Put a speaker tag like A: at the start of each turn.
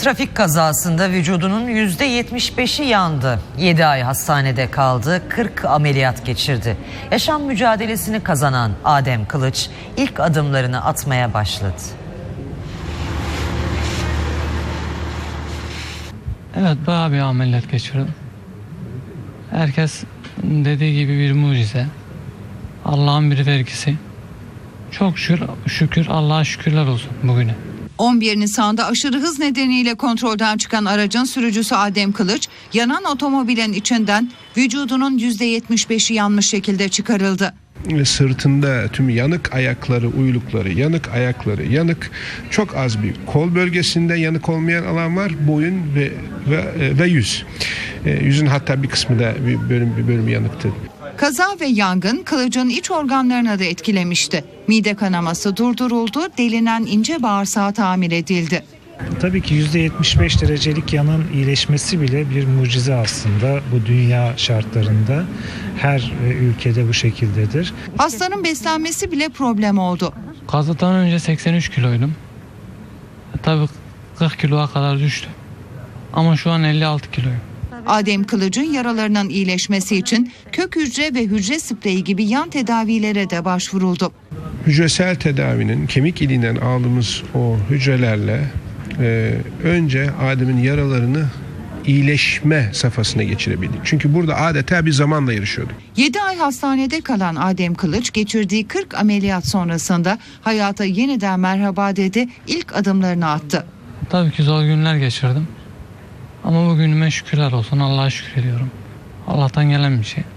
A: Trafik kazasında vücudunun %75'i yandı. 7 ay hastanede kaldı, 40 ameliyat geçirdi. Yaşam mücadelesini kazanan Adem Kılıç ilk adımlarını atmaya başladı.
B: Evet, bayağı bir ameliyat geçirdim. Herkes dediği gibi bir mucize. Allah'ın bir vergisi. Çok şükür Allah'a şükürler olsun bugüne.
C: 11 Nisan'da aşırı hız nedeniyle kontrolden çıkan aracın sürücüsü Adem Kılıç, yanan otomobilin içinden vücudunun %75'i yanmış şekilde çıkarıldı.
D: Sırtında tüm yanık ayakları, uylukları, yanık ayakları, yanık, çok az bir kol bölgesinde yanık olmayan alan var, boyun ve yüz. Yüzün hatta bir kısmı da bir bölümü yanıktı.
C: Kaza ve yangın Kılıç'ın iç organlarını da etkilemişti. Mide kanaması durduruldu, delinen ince bağırsağı tamir edildi.
E: Tabii ki %75 derecelik yanın iyileşmesi bile bir mucize aslında bu dünya şartlarında. Her ülkede bu şekildedir.
C: Hastanın beslenmesi bile problem oldu.
B: Kazadan önce 83 kiloydum. Tabii 40 kiloya kadar düştü. Ama şu an 56 kiloyum.
C: Adem Kılıç'ın yaralarının iyileşmesi için kök hücre ve hücre spreyi gibi yan tedavilere de başvuruldu.
D: Hücresel tedavinin kemik iliğinden aldığımız o hücrelerle önce Adem'in yaralarını iyileşme safhasına geçirebildik. Çünkü burada adeta bir zamanla yarışıyorduk.
C: 7 ay hastanede kalan Adem Kılıç geçirdiği 40 ameliyat sonrasında hayata yeniden merhaba dedi, ilk adımlarını attı.
B: Tabii ki zor günler geçirdim. Ama bugünüme şükürler olsun, Allah'a şükür ediyorum. Allah'tan gelen bir şey.